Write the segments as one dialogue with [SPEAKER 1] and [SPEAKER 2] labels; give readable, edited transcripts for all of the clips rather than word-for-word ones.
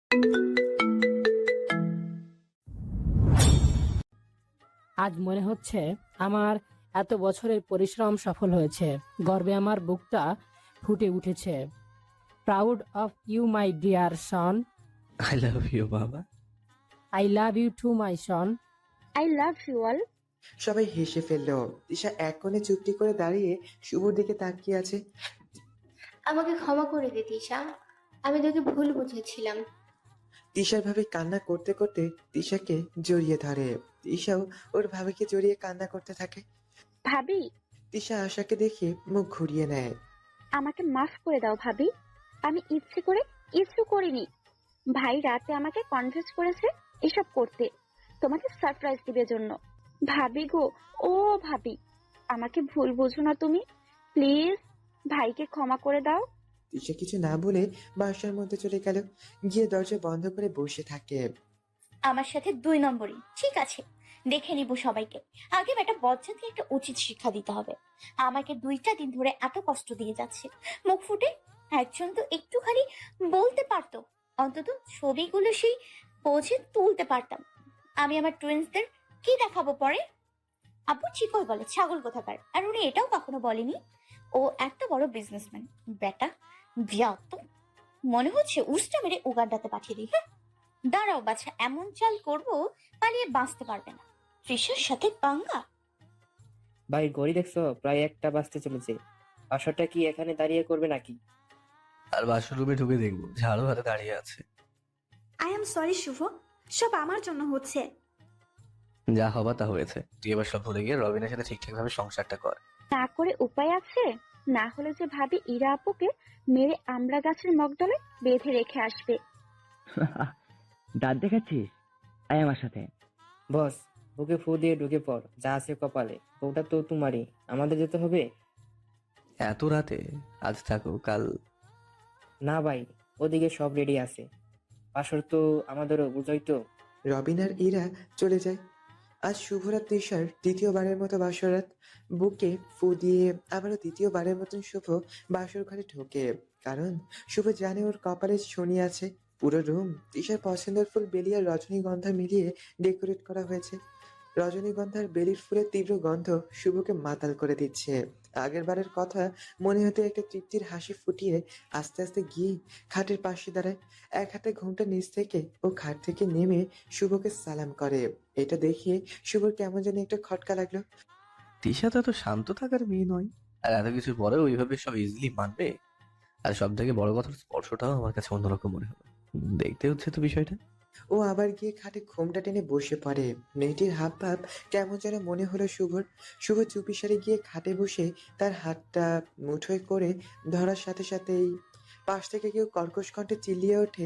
[SPEAKER 1] আজ মনে হচ্ছে আমার এত বছরের পরিশ্রম সফল হয়েছে। গর্বে আমার বুকটা ফুটে উঠেছে। Proud of you my dear son.
[SPEAKER 2] I love you বাবা।
[SPEAKER 1] I love you too my son.
[SPEAKER 3] I love you all.
[SPEAKER 4] সবাই হেসে ফেললো। তিশা এক কোণে চুপটি করে দাঁড়িয়ে শুভর দিকে তাকিয়ে আছে।
[SPEAKER 5] আমাকে ক্ষমা করে দে তিশা, আমি তোকে ভুল বুঝেছিলাম।
[SPEAKER 4] তিশার ভাবি কান্না করতে করতে তিশাকে জড়িয়ে ধরে। তিশাও ওর ভাবিকে জড়িয়ে কান্না করতে থাকে।
[SPEAKER 3] ভাবি,
[SPEAKER 4] তিশা আশাকে দেখে মুখ ঘুরিয়ে নেয়।
[SPEAKER 3] আমাকে মাফ করে দাও ভাবি, আমি ইচ্ছে করে কিছু করিনি। ভাই রাতে আমাকে কনভিন্স করেছে এসব করতে, তোমাকে সারপ্রাইজ দিবে জন্য। ভাবি গো, ও ভাবি, আমাকে ভুল বুঝো না তুমি, প্লিজ ভাইকে ক্ষমা করে দাও।
[SPEAKER 4] তিশা কিছু না বলে বাসার মধ্যে চলে গেল, গিয়ে দরজা বন্ধ করে বসে থাকে।
[SPEAKER 6] আমার সাথে 2 নম্বরই ঠিক আছে, দেখে নিব সবাইকে। আগে একটা বজ্জাতকে একটা উচিত শিক্ষা দিতে হবে। আমাকে 2টা দিন ধরে এত কষ্ট দিয়ে যাচ্ছে, মুখ ফুটে একজন তো একটুখানি বলতে পারতো, অন্তত ছবিগুলো সেই পৌঁছে তুলতে পারতাম। আমি আমার টুইন্সদের কি দেখাবো পরে? আপু চিকই বলে ছাগল কোথাকার, আর উনি এটাও কখনো বলেনি ও একটা বড় বিজনেসম্যান। বেটা বিয়াত, মনে হচ্ছে উস্টা মেরে উগান্ডাতে পাঠিয়ে দিই। হ্যাঁ, দাঁড়াও বাছা, এমন চাল করবো পালিয়ে বাঁচতে পারবে না। তৃষার সাথে পাঙ্গা।
[SPEAKER 7] ভাই ঘড়ি দেখছো? প্রায় 1টা বাজতে চলেছে। আসরটা কি এখানে দাঁড়িয়ে করবে নাকি?
[SPEAKER 2] আর বাসর রুমে ঢুকে দেখবো ঝাড়ু হাতে দাঁড়িয়ে আছে।
[SPEAKER 8] আই এম সরি শুভ, সব আমার জন্য হচ্ছে।
[SPEAKER 2] যা হবা তা হয়েছে, তুই এবার সব ভুলে গিয়ে রবিনের সাথে ঠিকঠাক ভাবে সংসারটা কর।
[SPEAKER 3] না করে উপায় আছে? না হলে যে ভাবি ইরা আপুকে মেরে আমড়া গাছের মগডলে বেঁধে রেখে আসবে।
[SPEAKER 9] দাঁত দেখাচ্ছিস? আয় আমার সাথে।
[SPEAKER 7] বস, বুকে ফু দিয়ে ঢুকে পড়, যা আছে কপালে। ওটা তো তোমারই, আমাদের যেতে হবে।
[SPEAKER 2] এত রাতে? আজ থাকো, কাল।
[SPEAKER 7] না ভাই, ওদিকে সব রেডি আছে। আসর তো আমাদেরও, বুঝই তো।
[SPEAKER 4] রবিন আর ইরা চলে যায়। আজ শুভরাত তিশার দ্বিতীয়বারের মতো বাসরাত। বুকে ফু দিয়ে আবারও দ্বিতীয়বারের মতন শুভ বাসর ঘরে ঢোকে, কারণ শুভ জানে ওর কপালে শনি আছে। পুরো রুম তিশার পছন্দের ফুল বেলি আর রজনীগন্ধা মিলিয়ে ডেকোরেট করা হয়েছে। রজনীগন্ধার বেলির ফুলের তীব্র গন্ধ শুভকে মাতাল করে দিচ্ছে। আগের বারের কথা মনে হতে একটা তৃপ্তির হাসি ফুটিয়ে আস্তে আস্তে গিয়ে খাটের পাশে দাঁড়ায়। এক হাতে ঘুমটা নিচ থেকে ও খাট থেকে নেমে শুভকে সালাম করে। এটা দেখে শুভর কেমন যেন একটা খটকা লাগলো।
[SPEAKER 2] তিশা তো এত শান্ত থাকার মেয়ে নয়, আর এত কিছুর পরেও ওইভাবে সব ইজিলি মানবে। আর সব থেকে বড় কথা, স্পর্শটাও আমার কাছে অন্যরকম মনে হলো। দেখতে হচ্ছে তো বিষয়টা।
[SPEAKER 4] ও আবার গিয়ে খাটে ঘুমটা টেনে বসে পড়ে। মেয়েটির হাব ভাব কেমন যেন মনে হলো শুভর। শুভ চুপিসারে গিয়ে খাটে বসে তার হাতটা মুঠোয় করে ধরার সাথে সাথেই পাশ থেকে কেউ কর্কশ কণ্ঠে চিল্লিয়ে ওঠে,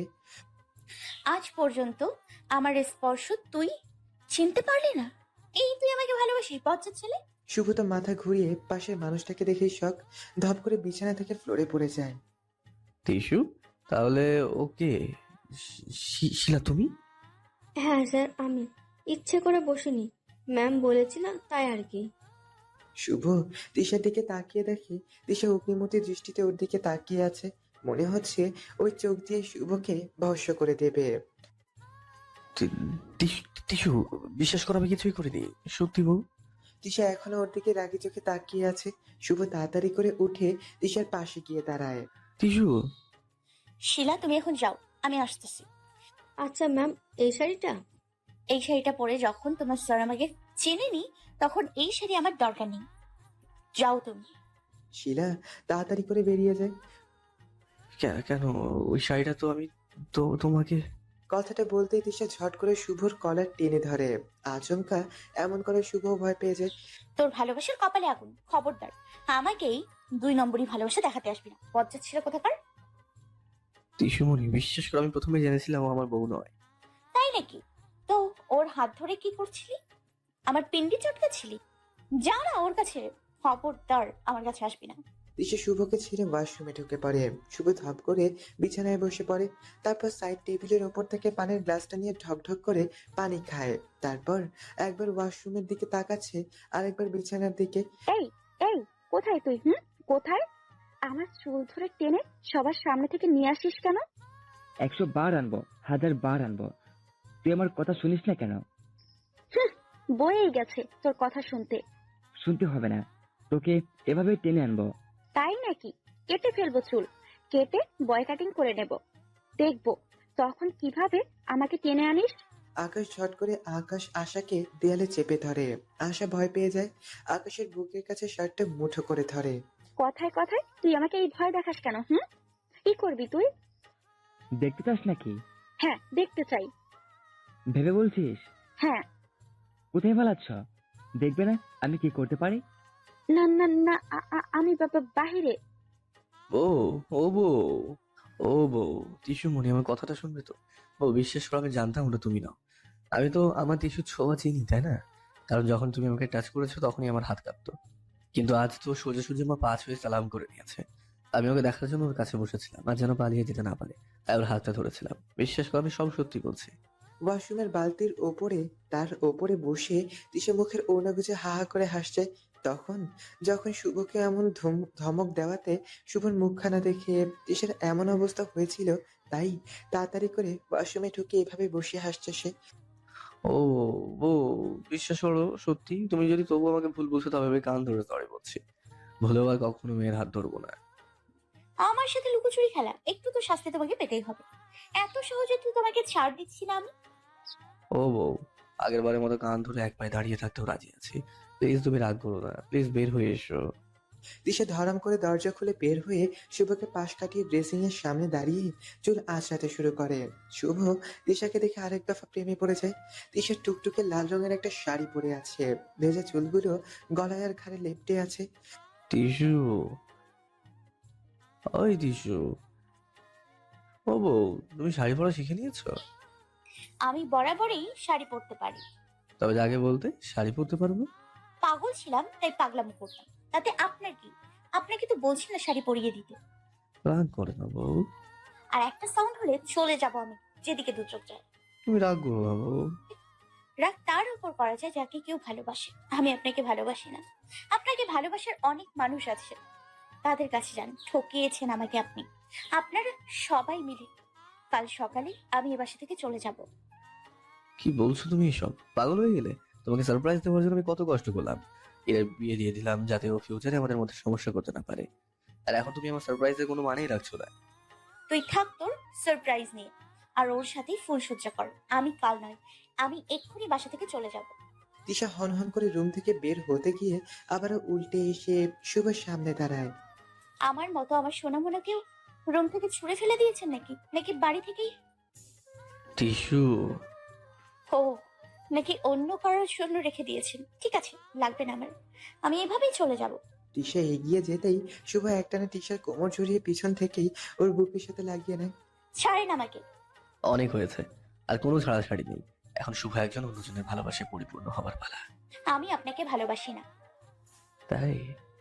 [SPEAKER 6] আজ পর্যন্ত আমার স্পর্শ তুই চিনতে পারলি না? এই তুই আমাকে ভালোবাসিস বজ্জাত ছেলে?
[SPEAKER 4] শুভ তো মাথা ঘুরিয়ে পাশের মানুষটাকে দেখেই শখ, ধপ করে বিছানা থেকে ফ্লোরে পড়ে যায়।
[SPEAKER 2] টিসু, তাহলে ওকে শিলা তুমি?
[SPEAKER 5] হ্যাঁ স্যার, আমি ইচ্ছে করে বসিনি, ম্যাম বলেছিল তাই আর কি।
[SPEAKER 4] শুভ তিশার দিকে তাকিয়ে দেখে তিশা অগ্নিমূর্তির দৃষ্টিতে ওর দিকে তাকিয়ে আছে। মনে হচ্ছে ওই চোখ দিয়ে শুভকে ভস্ম করে দেবে।
[SPEAKER 2] টিসু, বিশ্বাস কর আমি কিছুই করিনি, সত্যি বউ।
[SPEAKER 4] তিশা এখনো ওর দিকে রাগি চোখে তাকিয়ে আছে। শুভ তাড়াতাড়ি করে উঠে তিশার পাশে গিয়ে দাঁড়ায়।
[SPEAKER 2] টিসু।
[SPEAKER 6] শিলা তুমি এখন যাও, আমি আসতেছি।
[SPEAKER 5] আচ্ছা ম্যাম, এই শাড়িটা?
[SPEAKER 6] এই শাড়িটা পরে যখন তোমার স্যার আমাকে চেনেনি, তখন এই শাড়ি আমার দরকার নেই। যাও তুমি।
[SPEAKER 4] শিলা তাড়াতাড়ি করে বেরিয়ে যায়।
[SPEAKER 2] কেন? ওই শাড়িটা তো আমি তোমাকে।
[SPEAKER 4] কথাটা বলতেই তিশা ঝট করে শুভর কলার টেনে ধরে। আচমকা এমন করে শুভ ভয় পেয়ে যায়।
[SPEAKER 6] তোর ভালোবাসার কপালে আগুন, খবরদার আমাকেই 2 নম্বরই ভালোবাসা দেখাতে আসবি না, বজ্জাত ছিল কোথাকার।
[SPEAKER 2] টিসুমণি, বিশ্বাস করে আমি প্রথমে জেনেছিলাম ও আমার বউ নয়।
[SPEAKER 6] তাই নাকি? তো ওর হাত ধরে কি করছিলি? আমার পিন্ডি চটকাচ্ছিলি? যা না ওর কাছে, খবরদার আমার কাছে আসবি না।
[SPEAKER 4] তিশা শুভকে ছেড়ে ওয়াশরুমে ঢুকে পড়ে। শুভ ধপ করে বিছানায় বসে পড়ে। তারপর সাইড টেবিলের ওপর থেকে পানির গ্লাসটা নিয়ে ঢকঢক করে পানি খায়। তারপর একবার ওয়াশরুমের দিকে তাকাচ্ছে, আরেকবার বিছানার দিকে।
[SPEAKER 3] এই এই, কোথায় তুই? কোথায়? আমার চুল ধরে টেনে সবার সামনে থেকে নিয়ে আসিস কেন?
[SPEAKER 9] 100 বার আনবো, 1000 বার আনবো। তুই আমার কথা শুনিস না কেন?
[SPEAKER 3] বয়েই গেছে তোর কথা শুনতে।
[SPEAKER 9] শুনতে হবে না, তোকে এভাবে টেনে আনবো।
[SPEAKER 3] তাই নাকি? কেটে ফেলবো চুল, কেটে বয় কাটিং করে নেব, দেখবো তখন কিভাবে আমাকে টেনে আনিস।
[SPEAKER 4] আকাশ ঝট করে আশাকে দেয়ালে চেপে ধরে। আশা ভয় পেয়ে যায়। আকাশের বুকের কাছে শার্টটা মুঠো করে ধরে।
[SPEAKER 3] কথায় কথায় তুই আমাকে এই ভয় দেখাস কেন? কি করবি তুই?
[SPEAKER 9] দেখতে চাস নাকি?
[SPEAKER 3] হ্যাঁ, দেখতে চাই।
[SPEAKER 9] ভেবে বলছিস?
[SPEAKER 3] হ্যাঁ।
[SPEAKER 9] কোথায় পালাচ্ছ? দেখবে না আমি কি করতে পারি?
[SPEAKER 3] না না না, আমি বাহিরে।
[SPEAKER 2] ও ও বউ, ও বউ, টিসুমণি আমার কথাটা শুনবে তো? ও বিশ্বাস করো, আমি জানতাম ওটা তুমি নাও। আমি তো আমার টিসুর ছোঁয়া চিনি, তাই না? কারণ যখন তুমি আমাকে টাচ করেছো তখনই আমার হাত কাঁপতো। কিন্তু আজ তো সোজাসুজি আমার পা ছুঁয়ে সালাম করে নিয়েছে। আমি ওকে দেখার জন্য ওর কাছে বসেছিলাম, আর যেন পালিয়ে যেতে না পারে তাই ওর হাতটা ধরেছিলাম। বিশ্বাস করো, আমি সব সত্যি বলছি।
[SPEAKER 4] ওয়াশরুমের বালতির ওপরে তার ওপরে বসে তিশা মুখের ওড়না গুজে হা হা করে হাসছে। তখন যখন শুভকে এমন ধমক দেওয়াতে শুভর মুখখানা দেখে তিশার এমন অবস্থা হয়েছিল, তাই তাড়াতাড়ি করে ওয়াশরুমে ঢুকে এভাবে বসে হাসছে সে।
[SPEAKER 2] ও বউ, বিশ্বাস করো সত্যি, তুমি যদি তবু আমাকে ভুল বলছো তবে আমি কান ধরে সরি বলছি। ভুলেও আর কখনো মেয়ের হাত ধরবো না।
[SPEAKER 6] আমার সাথে লুকোচুরি খেলা, একটু তো শাস্তি তোমাকে পেতেই হবে। এত সহজে তো তোমাকে ছাড় দিচ্ছি না আমি।
[SPEAKER 2] ও বউ, আগের বারের মতো কান ধরে এক পায়ে দাঁড়িয়ে থাকতেও রাজি আছি। প্লিজ তুমি রাগ করো না, প্লিজ বের হয়ে এসো।
[SPEAKER 4] তিশা ধরাম করে দরজা খুলে বের হয়ে শুভকে পাশ কাটিয়ে ড্রেসিং এর সামনে দাঁড়িয়ে চুল আঁচড়াতে শুরু করে। শুভ তিশাকে দেখে আরেক দফা প্রেমে পড়ে যায়। তিশা টুকটুকে লাল রঙের একটা শাড়ি পরে আছে, ভেজা চুলগুলো গলায় আর ঘাড়ে লেপ্টে আছে।
[SPEAKER 2] টিসু, ওই টিসু, ও বউ, তুমি শাড়ি পরা শিখে নিয়েছো?
[SPEAKER 6] আমি বরাবরই শাড়ি পরতে পারি।
[SPEAKER 2] তবে আগে বলতে শাড়ি পরতে পারবো।
[SPEAKER 6] পাগল ছিলাম তাই পাগলামো করতাম, তাতে আপনার কি? আপনাকে তো বলছি না শাড়ি পরিয়ে দিতে।
[SPEAKER 2] রাগ করে না বউ,
[SPEAKER 6] আর একটা সাউন্ড হলে চলে যাব আমি যেদিকে দু চোখ যায়।
[SPEAKER 2] তুমি রাগ করো না বউ।
[SPEAKER 6] রাগ তার উপর করা যায় যাকে কেউ ভালোবাসে। আমি আপনাকে ভালোবাসি না। আপনাকে ভালোবাসার অনেক মানুষ আছে, তাদের কাছে যান। ঠকিয়েছেন আমাকে আপনি, আপনারা সবাই মিলে। কাল সকালে আমি এ বাসা থেকে চলে যাব।
[SPEAKER 2] কি বলছো তুমি এসব? পাগল হয়ে গেলে? তোমাকে সারপ্রাইজ দেওয়ার জন্য আমি কত কষ্ট করলাম। এর বিয়ে দিয়ে দিলাম যাতে ও ফিউচারে আমাদের মধ্যে সমস্যা করতে না পারে। আর এখন তুমি আমার সারপ্রাইজের কোনো মানেই রাখছো না।
[SPEAKER 6] তুই থাক তোর সারপ্রাইজ নিয়ে, আর ওর সাথেই ফুলসজ্জা কর। আমি কাল নয়, আমি এক্ষুনি বাসা থেকে চলে যাব।
[SPEAKER 4] তিশা হনহন করে রুম থেকে বের হতে গিয়ে আবারও উল্টে এসে শুভর সামনে দাঁড়ায়।
[SPEAKER 6] আমার মতো আমার সোনামোনাকেও রুম থেকে ছুঁড়ে ফেলে দিয়েছেন নাকি? নাকি বাড়ি থেকেই?
[SPEAKER 2] টিসু,
[SPEAKER 6] ও, নাকি অন্য কারোর জন্য রেখে দিয়েছেন? ঠিক আছে, লাগবে না আমার, আমি এভাবেই চলে যাব।
[SPEAKER 4] তিশা এগিয়ে যেতেই শুভ একটানে তিশার কোমর জড়িয়ে পিছন থেকেই ওর বুকের সাথে লাগিয়ে নেয়।
[SPEAKER 6] ছাড়েন আমাকে।
[SPEAKER 2] অনেক হয়েছে, আর কোনো ছাড়াছাড়ি নেই। এখন শুভ একজন অন্যজনের ভালোবাসায় পরিপূর্ণ হবার পালা।
[SPEAKER 6] আমি আপনাকে ভালোবাসি না।
[SPEAKER 2] তাই?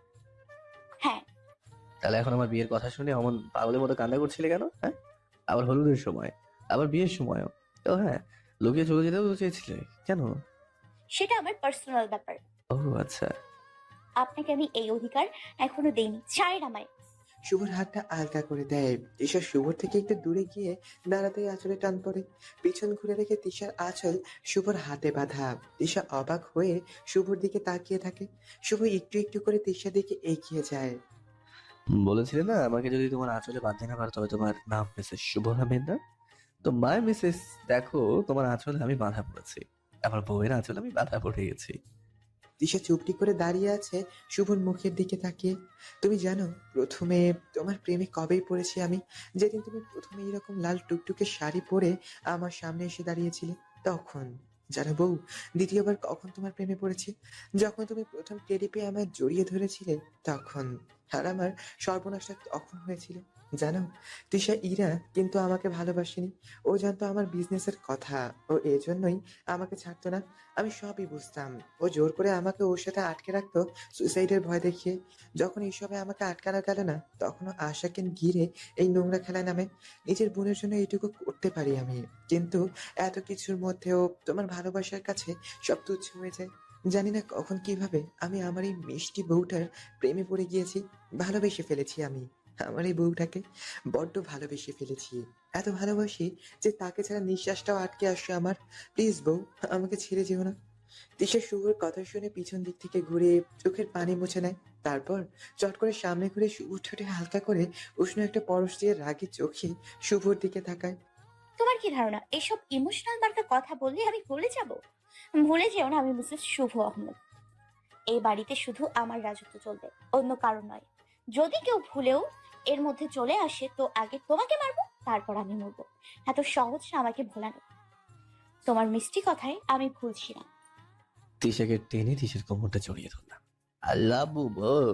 [SPEAKER 6] হ্যাঁ।
[SPEAKER 2] তাহলে এখন আমার বিয়ের কথা শুনে অমন পাগলের মতো কান্না করছিলে কেন? হ্যাঁ, আবার হলুদের সময়, আবার বিয়ের সময়ও। তো হ্যাঁ, লুকিয়ে চলে যেতেও তো চেয়েছিলে কেন?
[SPEAKER 6] সেটা আমার পার্সোনাল ব্যাপার।
[SPEAKER 2] ও আচ্ছা।
[SPEAKER 6] আপনাকে আমি এই অধিকার এখনো দেইনি। ছাড়েন আমায়।
[SPEAKER 4] শুভর হাতটা আলগা করে দেয়। তিশা শুভর থেকে একটু দূরে গিয়ে দাঁড়াতেই আঁচলে টান পড়ে। পিছন ঘুরে রেখে তিশার আঁচল শুভর হাতে বাঁধা। তিশা অবাক হয়ে শুভর দিকে তাকিয়ে থাকে। শুভ একটু একটু করে তিশার দিকে এগিয়ে যায়।
[SPEAKER 2] বলেছিলে না আমাকে যদি তোমার আঁচলে বাঁধতে না পারো তবে তোমার নাম মিসেস শুভ আহমেদ না? তো মাই মিসেস, দেখো তোমার আঁচলে আমি বাঁধা পড়েছি, আমার বউয়ের আঁচলে আমি বাঁধা পড়ে গেছি।
[SPEAKER 4] তিশা চুপটি করে দাঁড়িয়ে আছে শুভর মুখের দিকে তাকিয়ে। তুমি জানো প্রথমে তোমার প্রেমে কবেই পড়েছি আমি? যেদিন তুমি প্রথমে এরকম লাল টুকটুকে শাড়ি পরে আমার সামনে এসে দাঁড়িয়েছিলে তখন। জানো বউ, দ্বিতীয়বার কখন তোমার প্রেমে পড়েছি? যখন তুমি প্রথম টেডি পেয়ে আমায় জড়িয়ে ধরেছিলে তখন। আর আমার সর্বনাশটা তখন হয়েছিল। জানো, তিশা ইরা কিন্তু আমাকে ভালোবাসেনি। ও জানতো আমার বিজনেসের কথা, ও এজন্যই আমাকে ছাড়তো না। আমি সবই বুঝতাম। ও জোর করে আমাকে ওর সাথে আটকে রাখতো সুইসাইডের ভয় দেখিয়ে। যখন এইসবে আমাকে আটকানো গেল না তখনও আশাকে ঘিরে এই নোংরা খেলায় নামে। নিজের বোনের জন্য এইটুকু করতে পারি আমি, কিন্তু এত কিছুর মধ্যেও তোমার ভালোবাসার কাছে সব তুচ্ছ হয়ে যায়। জানি না কখন কিভাবে আমি আমার এই মিষ্টি বউটার প্রেমে পড়ে গিয়েছি, ভালোবেসে ফেলেছি আমি। আমার এই বউটাকে বড্ড ভালোবেসে ফেলেছি। এত ভালোবাসি যে তাকে ছাড়া নিঃশ্বাসটাও আটকে আসছে আমার। প্লিজ বউ, আমাকে ছেড়ে যেও না। তিশা শুভর কথা শুনে পিছন দিক থেকে ঘুরে চোখের পানি মুছে নেয়। তারপর চট করে সামনে ঘুরে শুভর ঠোঁটে হালকা করে উষ্ণ একটা পরশ দিয়ে রাগী চোখে শুভর দিকে তাকায়।
[SPEAKER 6] তোমার কি ধারণা এসব ইমোশনাল মার্কা কথা বললে আমি ভুলে যাব? ভুলে যেও না আমি মিসেস শুভ আহমেদ। এই বাড়িতে শুধু আমার রাজত্ব চলবে, অন্য কারণ নয়। যদি কেউ ভুলেও এর মধ্যে চলে আসে তো আগে তোমাকে মারবো, তারপর আমি মরবো। এত সহজ না আমাকে ভোলানো। তোমার মিষ্টি কথায় আমি ভুলছি না।
[SPEAKER 2] তিশাকে টেনে তিশার কোমরটা জড়িয়ে ধরলাম। আল্লাহ বউ।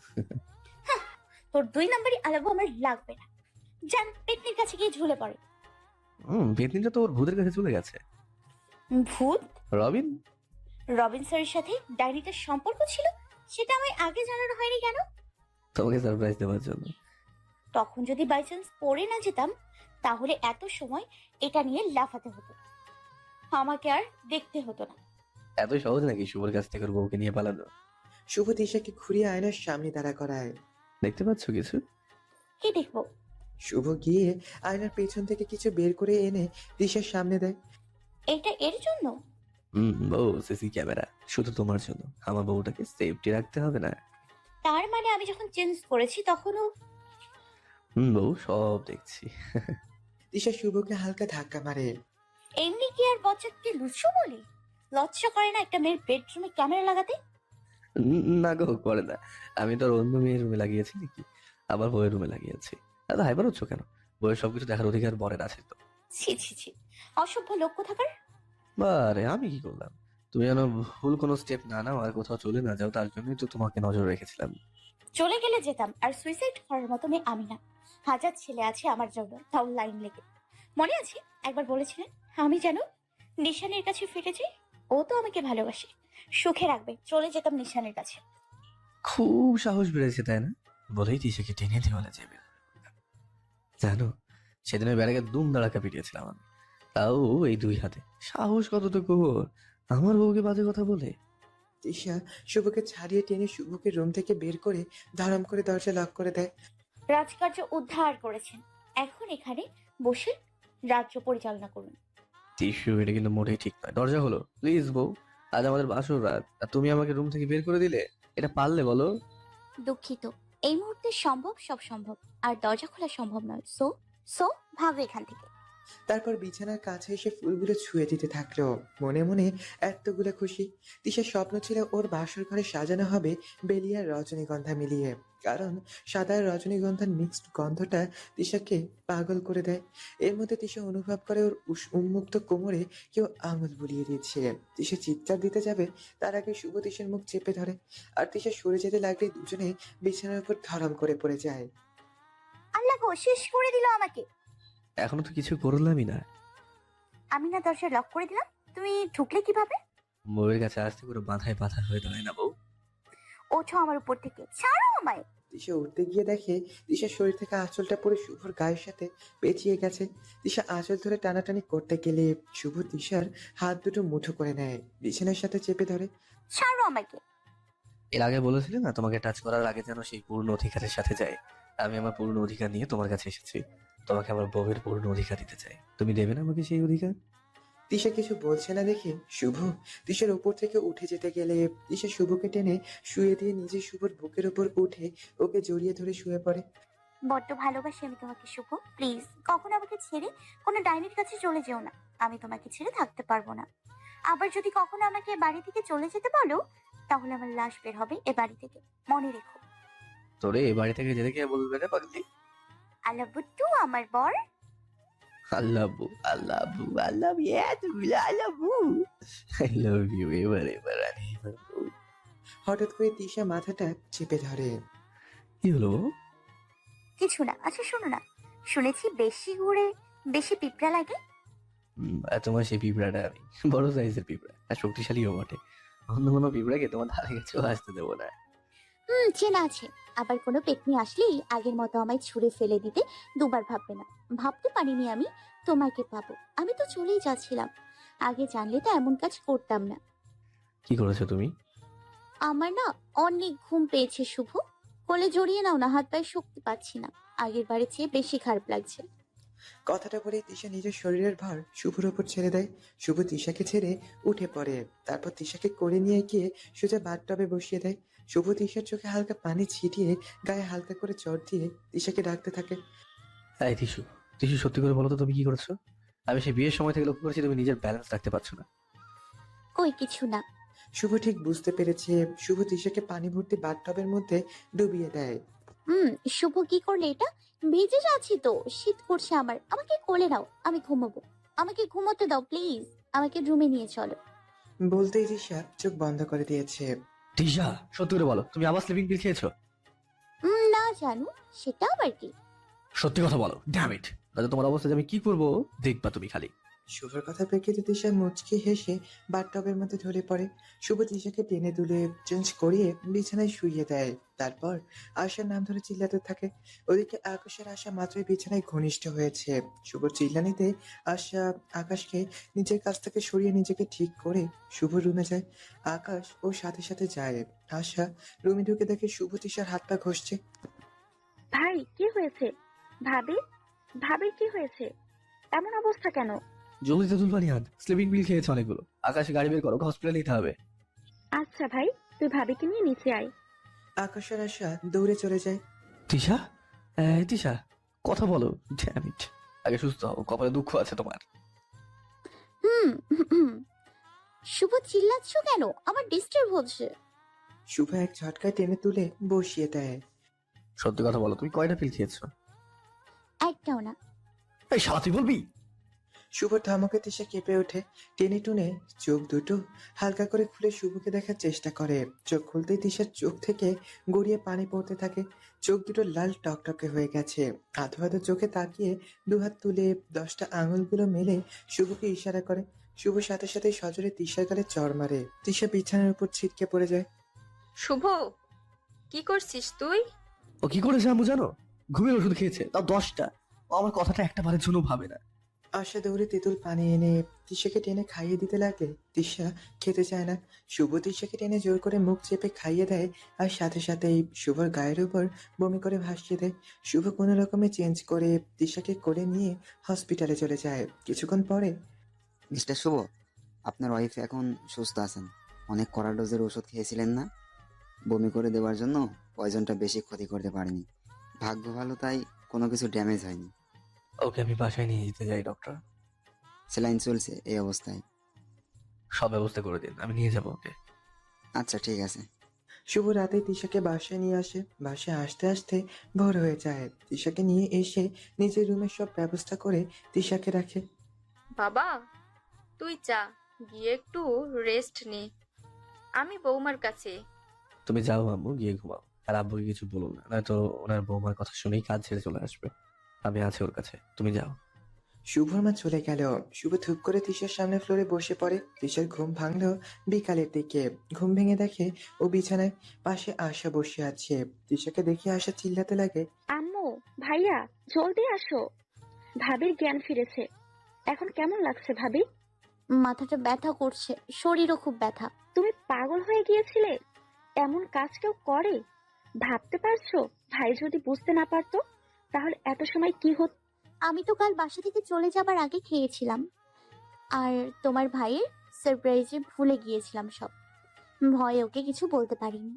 [SPEAKER 6] তোর 2 নম্বরই আলাবো আমার লাগবে না। যান পেতনির কাছে গিয়ে ঝুলে পড়ে।
[SPEAKER 2] পেতনিটা তো ওর ভূতের কাছে চলে গেছে।
[SPEAKER 6] ভূত?
[SPEAKER 2] রবিন?
[SPEAKER 6] রবিন স্যারের সাথে ডায়েরিটার সম্পর্ক ছিল, সেটা আমায় আগে জানানো হয়নি কেন?
[SPEAKER 2] তোমাকে সারপ্রাইজ দেওয়ার জন্য।
[SPEAKER 6] তখন যদি বাই চান্স পড়ে না যেতাম তাহলে এত সময় এটা নিয়ে লাফাতে হতো, আমাকে আর দেখতে হতো না।
[SPEAKER 2] এত সহজ নাকি শুভর কাছ থেকে ওর বউকে নিয়ে পালানো?
[SPEAKER 4] শুভ তিশাকে ঘুরিয়ে আয়নার সামনে দাঁড়া করায়।
[SPEAKER 2] দেখতে পাচ্ছ কিছু?
[SPEAKER 6] কি দেখবো?
[SPEAKER 4] শুভ গিয়ে আয়নার পেছন থেকে কিছু বের করে এনে তিশার সামনে দেয়।
[SPEAKER 6] এটা এর জন্য?
[SPEAKER 2] বউ সিসি ক্যামেরা শুধু তোমার জন্য। আমার বউটাকে সেফটি রাখতে হবে না?
[SPEAKER 6] তার মানে আমি যখন চেঞ্জ করেছি তখনও?
[SPEAKER 2] বউ সব দেখছি।
[SPEAKER 4] তিশা শুভকে হালকা ধাক্কা মারে।
[SPEAKER 6] এমনি কি আর বচ্চাকে লুচু বলে? লজ্জা করে না একটা মেয়ের বেডরুমে ক্যামেরা লাগাতে?
[SPEAKER 2] না গো, করে না। আমি তো আর অন্য মেয়ের রুমে লাগিয়েছি নাকি? আবার বউয়ের রুমে লাগিয়েছি। এত হাইবার হচ্ছ কেন? বউয়ের সবকিছু দেখার অধিকার বরের আছে তো।
[SPEAKER 6] ছি ছি ছি, অসভ্য লোক কোথাকার।
[SPEAKER 2] বারে আমি কি করলাম? তুমি যেন ভুল কোনো স্টেপ না নাও আর কোথাও চলে না যাও, তার জন্যই তো তোমাকে নজর রেখেছিলাম।
[SPEAKER 6] চলে গেলে যেতাম, আর সুইসাইড করার মতো মেয়ে আমি না। হাজার ছেলে আছে আমার জন্য, তাও লাইন লেগে। মনে আছে একবার বলেছিলেন আমি যেন নিশানের কাছে ফিরে যাই? ও তো আমাকে ভালোবাসে, সুখে রাখবে, চলে যেতাম নিশানের কাছে।
[SPEAKER 2] খুব সাহস বেড়েছে তাই না? বলেই তিশাকে টেনে দেওয়ালে যাবে। জানো, সেদিন ওই ব্যারাকে দুম দাঁড়াকা পিটিয়েছিলাম আমি, তাও এই 2 হাতে। সাহস কতটুকু ওর, আমার বউকে বাজে কথা বলে।
[SPEAKER 4] তিশা শুভকে ছাড়িয়ে টেনে শুভকে রুম থেকে বের করে ধরম করে দরজা লক করে দেয়।
[SPEAKER 6] রাজকার্য উদ্ধার করেছেন, এখন এখানে বসে রাজ্য পরিচালনা করুন।
[SPEAKER 2] টিস্যু, এটা কিন্তু মোটেই ঠিক নয়। দরজা হলো প্লিজ বউ, আজ আমাদের বাসর রাত আর তুমি আমাকে রুম থেকে বের করে দিলে। এটা পারলে বলো?
[SPEAKER 6] দুঃখিত, এই মুহূর্তে সম্ভব সব সম্ভব, আর দরজা খোলা সম্ভব নয়। সো সো ভাগো এখান থেকে।
[SPEAKER 4] তারপর বিছানার কাছে এসে ফুলগুলো ছুঁয়ে দিতে থাকলো। মনে মনে এতগুলো খুশি। তিশার স্বপ্ন ছিল ওর বাসর ঘরে সাজানো হবে বেলিয়ার রজনীগন্ধা মিলিয়ে, কারণ সাদা আর রজনীগন্ধার মিক্সড গন্ধটা তিশাকে পাগল করে দেয়। এর মধ্যে তিশা অনুভব করে ওর উন্মুক্ত কোমরে কেউ আঙুল বুলিয়ে দিচ্ছে। তিশা চিৎকার দিতে যাবে তার আগে শুভ তিশার মুখ চেপে ধরে, আর তিশা সরে যেতে লাগলে দুজনে বিছানার উপর ধরম করে পড়ে যায়।
[SPEAKER 6] আল্লাহ গো, শেষ করে দিল আমাকে।
[SPEAKER 2] এখনো তো কিছু করলামই না।
[SPEAKER 6] আমি না দরজা লক করে দিলাম, তুমি ঢুকলে কিভাবে?
[SPEAKER 2] বউয়ের কাছে আসতে করে মাথায় পাথা হয়ে দাঁড়ায় না বউ।
[SPEAKER 6] ওঠো আমার উপর থেকে, ছাড়ো আমায়।
[SPEAKER 4] তিশা উঠতে গিয়ে দেখে তিশার শরীর থেকে আঁচলটা পরে শুভর গায়ের সাথে পেঁচিয়ে গেছে। তিশা আঁচল ধরে টানাটানি করতে গেলে শুভ তিশার হাত দুটো মুঠো করে নেয়, বিছানার সাথে চেপে ধরে।
[SPEAKER 6] ছাড়ো আমাকে।
[SPEAKER 2] এর আগে বলেছিলে না তোমাকে টাচ করার আগে যেন সেই পূর্ণ অধিকারের সাথে যায়। আমি আমার পূর্ণ অধিকার নিয়ে তোমার কাছে এসেছি। তোমাকে আমার বউয়ের পূর্ণ অধিকার দিতে চাই। তুমি দেবে না আমাকে সেই অধিকার?
[SPEAKER 4] তিশা কিছু বলছে না দেখে শুভ তিশার উপর থেকে উঠে যেতে গেলে তিশা শুভকে টেনে শুয়ে দিয়ে নিজে শুভর বুকের উপর উঠে ওকে জড়িয়ে ধরে শুয়ে পড়ে।
[SPEAKER 6] বড্ড ভালোবাসি আমি তোমাকে শুভ, প্লিজ কখনো আমাকে ছেড়ে কোনো ডাইনির কাছে চলে যেও না। আমি তোমাকে ছেড়ে থাকতে পারবো না। আবার যদি কখনো আমাকে বাড়ি থেকে চলে যেতে বলো তাহলে আমার লাশ বের হবে এ বাড়ি থেকে, মনে রেখো।
[SPEAKER 2] তোরে এ বাড়ি থেকে যেতে কে বলবে রে পাগলি?
[SPEAKER 6] আল্লাহ বুট্টু আমার বর।
[SPEAKER 2] আল্লাহ বউ, আল্লাহ বউ, আল্লাহ আল্লাহ বউ, আই লাভ ইউ। এবার এবার আরে এবার বউ।
[SPEAKER 4] হঠাৎ করে তিশা মাথাটা চেপে ধরে।
[SPEAKER 2] কি হলো বউ?
[SPEAKER 6] কিছু না। আচ্ছা শোনো না, শুনেছি বেশি ঘুরে বেশি পিঁপড়া লাগে।
[SPEAKER 2] আর তোমার সেই পিঁপড়াটা আমি বড় সাইজের পিঁপড়া, আর শক্তিশালীও বটে। অন্য কোনো পিঁপড়াকে তোমার ধারে কাছেও আসতে দেবো না।
[SPEAKER 6] চেনা আছে। আবার কোনো পেতনি আসলেই আগের মতো আমায় ছুঁড়ে ফেলে দিতে দুবার ভাববে না। ভাবতে পারিনি আমি তোমাকে পাবো। আমি তো চলেই যাচ্ছিলাম, আগে জানলে তো এমন কাজ করতাম না।
[SPEAKER 2] কি করেছো তুমি?
[SPEAKER 6] আমার না অনেক ঘুম পেয়েছে শুভ। কোলে জড়িয়ে নাও না, হাত পায়ে শক্তি পাচ্ছি না, আগের বারে চেয়ে বেশি খারাপ লাগছে।
[SPEAKER 4] কথাটা বলে তিশা নিজের শরীরের ভার শুভর ওপর ছেড়ে দেয়। শুভ তিশাকে ছেড়ে উঠে পড়ে। তারপর তিশাকে করে নিয়ে গিয়ে সোজা বাথটবে বসিয়ে দেয়। শুভ তিশার চোখে হালকা পানি ছিটিয়ে গায়ে হালকা করে চড় দিয়ে তিশাকে ডাকতে থাকে।
[SPEAKER 2] এই টিসু, টিসু সত্যি করে বলো তো তুমি কি করেছো? আমি সেই বিয়ের সময় থেকে লক্ষ্য করেছি তুমি নিজের ব্যালেন্স রাখতে পারছো না।
[SPEAKER 6] কই কিছু না।
[SPEAKER 4] শুভ ঠিক বুঝতে পেরেছে। শুভ তিশাকে পানি ভর্তি বাথটবের মধ্যে ডুবিয়ে দেয়।
[SPEAKER 6] শুভ কি করলে এটা? ভিজে যাচ্ছি তো, শীত করছে আমার, আমাকে কোলে নাও, আমি ঘুমাবো, আমাকে ঘুমোতে দাও প্লিজ, আমাকে রুমে নিয়ে চলো।
[SPEAKER 4] বলতেই তিশা চোখ বন্ধ করে দিয়েছে।
[SPEAKER 2] টিসা সত্যি করে বলো তুমি আবার স্লিপিং পিল খেয়েছো?
[SPEAKER 6] না জানু, সেটা আবার কি?
[SPEAKER 2] সত্যি কথা বলো, ড্যাম ইট, তাহলে তোমার অবস্থা যে আমি কি করবো দেখবা তুমি খালি।
[SPEAKER 4] শুভর কথা প্রেক্ষিতে তিশা মুচকি হেসে বাথটবের মধ্যে ঢলে পড়ে। শুভ তিশাকে টেনে তুলে চেঞ্জ করিয়ে বিছানায় শুইয়ে দেয়। তারপর আশার নাম ধরে চিল্লাতে থাকে। ওদিকে আকাশের আশা মাত্রই বিছানায় ঘনিষ্ঠ হয়েছে। শুভ চিল্লানিতে আশা আকাশকে নিজের কাছ থেকে সরিয়ে নিজেকে ঠিক করে শুভ রুমে যায়। আকাশ ওর সাথে সাথে যায়। আশা রুমে ঢুকে দেখে শুভ তিশার হাত পা ঘষছে।
[SPEAKER 3] ভাই কি হয়েছে? ভাবি, ভাবির কি হয়েছে? এমন অবস্থা কেন?
[SPEAKER 2] জলদি তেঁতুল পানি আন, স্লিপিং পিল খেয়েছে অনেকগুলো। আকাশে গাড়ি বের করো, হসপিটালে নিতে হবে।
[SPEAKER 3] আচ্ছা ভাই, তুই ভাবিকে নিয়ে নিচে আয়।
[SPEAKER 4] আকাশের আশা দৌড়ে চলে যায়।
[SPEAKER 2] তিশা, এই তিশা কথা বলো, ড্যাম ইট, আগে সুস্থ হও, কপালে দুঃখ আছে তোমার।
[SPEAKER 6] হুম হুম। শুভ চিল্লাচ্ছ কেন? আমার ডিস্টার্ব হচ্ছে।
[SPEAKER 4] শুভ এক ঝটকায় টেনে তুলে বসিয়ে দেয়।
[SPEAKER 2] সত্যি কথা বলো তুমি কয়টা পিল খেয়েছো?
[SPEAKER 6] একটাও না।
[SPEAKER 2] এই শালা তুই বলবি?
[SPEAKER 4] শুভর ধমকে তিশা কেঁপে ওঠে। টেনে টুনে চোখ দুটো হালকা করে খুলে শুভকে দেখার চেষ্টা করে। চোখ খুলতেই তিশার চোখ থেকে গড়িয়ে পানি পড়তে থাকে। চোখ দুটো লাল টকটকে হয়ে গেছে। আধো আধো চোখে তাকিয়ে দুহাত তুলে 10টা আঙুলগুলো মেলে শুভকে ইশারা করে। শুভ সাথে সাথে সজোরে তিশার গালে চড় মারে। তিশা বিছানার উপর ছিটকে পড়ে যায়।
[SPEAKER 10] শুভ, কি করছিস তুই?
[SPEAKER 2] ও কি করেছে আম্মু জানো? ঘুমের ওষুধ খেয়েছে, তাও 10টা। ও আমার কথাটা একটা বারের জন্য ভাবে না।
[SPEAKER 4] আশা দৌড়ে তেঁতুল পানি এনে তিশাকে টেনে খাইয়ে দিতে লাগলে তিশা খেতে চায় না। শুভ তিশাকে টেনে জোর করে মুখ চেপে খাইয়ে দেয়। আর সাথে সাথেই শুভর গায়ের উপর বমি করে ভাসিয়ে দেয়। শুভ কোনো রকমে চেঞ্জ করে তিশাকে কোলে নিয়ে হসপিটালে চলে যায়। কিছুক্ষণ পরে
[SPEAKER 11] মিস্টার শুভ, আপনার ওয়াইফ এখন সুস্থ আছেন। অনেক কড়া ডোজের ওষুধ খেয়েছিলেন না? বমি করে দেওয়ার জন্য পয়জনটা বেশি ক্ষতি করতে পারেনি। ভাগ্য ভালো তাই কোনো কিছু ড্যামেজ হয়নি।
[SPEAKER 2] ওকে আমি বাসায় নিয়ে যেতে যাই ডক্টর।
[SPEAKER 11] স্যালাইন চলছে এই অবস্থায়।
[SPEAKER 2] সব ব্যবস্থা করে দিন, আমি নিয়ে যাবো ওকে।
[SPEAKER 11] আচ্ছা ঠিক আছে।
[SPEAKER 4] শুভ রাতে তিশাকে বাসায় নিয়ে আসে। বাসায় আসতে আসতে ভোর হয়ে যায়। তিশাকে নিয়ে এসে নিজের রুমের সব ব্যবস্থা করে তিশাকে রাখে।
[SPEAKER 10] বাবা, তুই যা, গিয়ে একটু রেস্ট নে, আমি বৌমার কাছে।
[SPEAKER 2] তুমি যাও আম্মু, গিয়ে ঘুমাও। আর আব্বুকে কিছু বলো না, নয়তো ওনার বৌমার কথা শুনেই কাজ ছেড়ে চলে আসবে। আমি আছি ওর কাছে, তুমি যাও।
[SPEAKER 4] শুভর মা চলে গেল। শুভ ধূপ করে তিশার সামনে ফ্লোরে বসে পড়ে। তিশার ঘুম ভাঙলো বিকালের দিকে। ঘুম ভেঙে দেখে ও বিছানায় পাশে আশা বসে আছে। তিশাকে দেখে আশা চিল্লাতে লাগে।
[SPEAKER 3] আম্মু, ভাইয়া, জলদি আসো। ভাবির জ্ঞান ফিরেছে। এখন কেমন লাগছে ভাবি?
[SPEAKER 6] মাথাটা ব্যথা করছে, শরীরও খুব ব্যথা।
[SPEAKER 3] তুমি পাগল হয়ে গিয়েছিলে? এমন কাজ কেউ করে? ভাবতে পারছো ভাই যদি বুঝতে না পারতো তাহলে এত সময় কি হতো?
[SPEAKER 6] আমি তো কাল বাসা থেকে চলে যাবার আগে খেয়েছিলাম, আর তোমার ভাইয়ের সারপ্রাইজে ভুলে গিয়েছিলাম সব। ভয়ে ওকে কিছু বলতে পারিনি।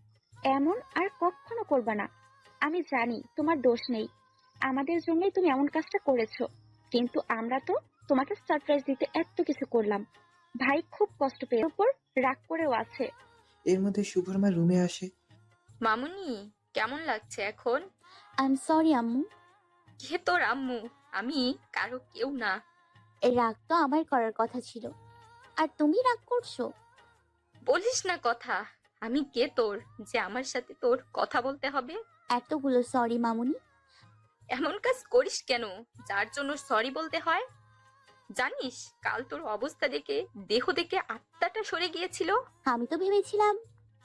[SPEAKER 3] এমন আর কখনো করবে না। আমি জানি তোমার দোষ নেই, আমাদের জন্যই তুমি এমন কাজটা করেছো। কিন্তু আমরা তো তোমাকে সারপ্রাইজ দিতে এত কিছু করলাম। ভাই খুব কষ্ট পেয়ে উপর রাগ করেও আছে।
[SPEAKER 4] এর মধ্যে শুভর মা রুমে আসে।
[SPEAKER 10] মামুনি, কেমন লাগছে এখন?
[SPEAKER 6] আই এম সরি আম্মু।
[SPEAKER 10] কে তোর আম্মু? আমি কারো কেউ না।
[SPEAKER 6] এই রাগ তো আমার করার কথা ছিল, আর তুমি রাগ করছো?
[SPEAKER 10] বলিস না কথা। আমি কে তোর যে আমার সাথে তোর কথা বলতে হবে?
[SPEAKER 6] এতগুলো সরি মামুনি।
[SPEAKER 10] এমন কাজ করিস কেন যার জন্য সরি বলতে হয়? জানিস কাল তোর অবস্থা দেখে, দেহ দেখে আত্মাটা সরে গিয়েছিল।
[SPEAKER 6] আমি তো ভেবেছিলাম।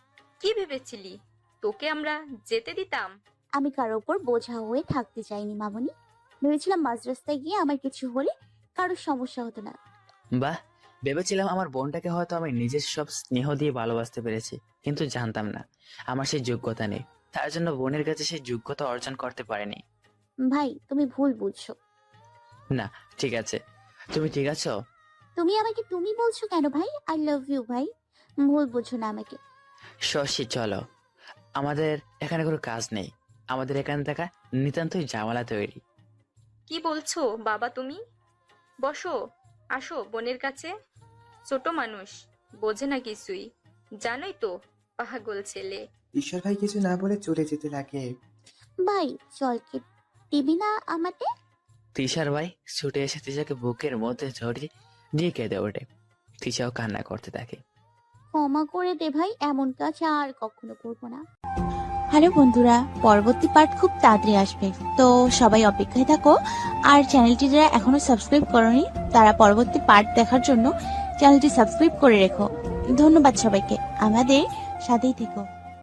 [SPEAKER 10] কি ভেবেছিলি? তোকে আমরা যেতে দিতাম?
[SPEAKER 6] আমি কারো ওপর বোঝা হয়ে থাকতে চাইনি মামুনি। ভেবেছিলাম মাঝ রাস্তায় গিয়ে আমার কিছু হলে কারোর সমস্যা হতো না।
[SPEAKER 12] বাহ, ভেবেছিলাম আমার বোনটাকে হয়তো আমি নিজের সব স্নেহ দিয়ে ভালোবাসতে পেরেছি, কিন্তু জানতাম না আমার সেই যোগ্যতা নেই। তার জন্য বোনের কাছে সেই যোগ্যতা অর্জন করতে পারেনি।
[SPEAKER 13] ভাই তুমি ভুল বুঝছো।
[SPEAKER 12] না ঠিক আছে, তুমি ঠিক আছো?
[SPEAKER 13] তুমি আমাকে তুমি বলছো কেন ভাই? আই লাভ ইউ ভাই, ভুল বুঝো না আমাকে।
[SPEAKER 12] শশী চলো, আমাদের এখানে কোনো কাজ নেই, আমাদের এখানে থাকা নিতান্তই ঝামেলা তৈরি।
[SPEAKER 10] কি বলছো বাবা তুমি? বসো, আসো বোনের কাছে। ছোট মানুষ, বোঝে না কিছুই, জানোই তো, পাগল ছেলে।
[SPEAKER 4] ঈশ্বর ভাই কিছু না বলে চলে যেতে লাগে।
[SPEAKER 13] ভাই চল, কি দিবি না আমাকে?
[SPEAKER 12] তিশার ভাই ছুটে এসে তিশাকে বুকের মধ্যে জড়িয়ে নিয়ে কেঁদে ওঠে। তিশাও কান্না করতে থাকে।
[SPEAKER 13] ক্ষমা করে দে ভাই, এমন কাজ আর কখনো করবো না।
[SPEAKER 14] হ্যালো বন্ধুরা, পরবর্তী পার্ট খুব তাড়াতাড়ি আসবে, তো সবাই অপেক্ষায় থাকো। আর চ্যানেলটি যারা এখনো সাবস্ক্রাইব করনি তারা পরবর্তী পার্ট দেখার জন্য চ্যানেলটি সাবস্ক্রাইব করে রেখো। ধন্যবাদ সবাইকে, আমাদের সাথেই থেকো।